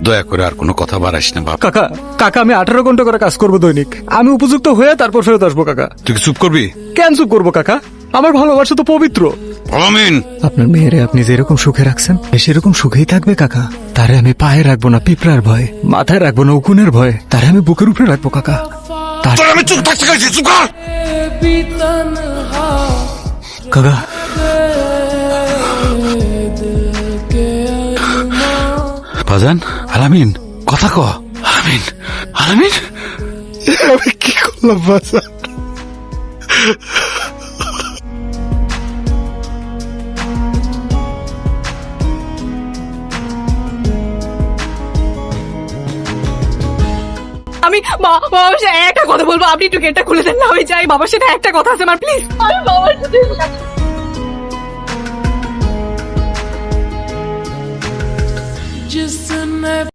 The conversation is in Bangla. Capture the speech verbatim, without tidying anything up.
দয়া করে আর কোনো কথা বাড়াইস না বাপ। কাকা কাকা আমি আঠারো ঘন্টা করে কাজ করবো দৈনিক, আমি উপযুক্ত হয়ে তারপর ফেরত আসবো কাকা। তুই কি চুপ করবি? কেন চুপ করবো কাকা, আমার ভালোবাসা তো পবিত্র। আমিন। আপনার মেয়েরে আপনি যেরকম সুখে রাখছেন সেরকম সুখেই থাকবে কাকা। তারে আমি পায়ে রাখবো না পিঁপড়ার ভয়, মাথায় রাখবো না উকুনের ভয়, তারে আমি বুকের উপরে রাখবো কাকা। তার তোর আমি চুপ থাকতে গেছি, চুপ কর। কাকা বাজান আলামিন কথা ক। আলামিন আলামিন আমি কি করলাম বাজান? আমি মা বাবার সাথে একটা কথা বলবো, আপনি একটু গেটটা খুলে দেন না, আমি যাই বাবার সাথে একটা কথা আছে আমার, প্লিজ। আমি বাবার সাথে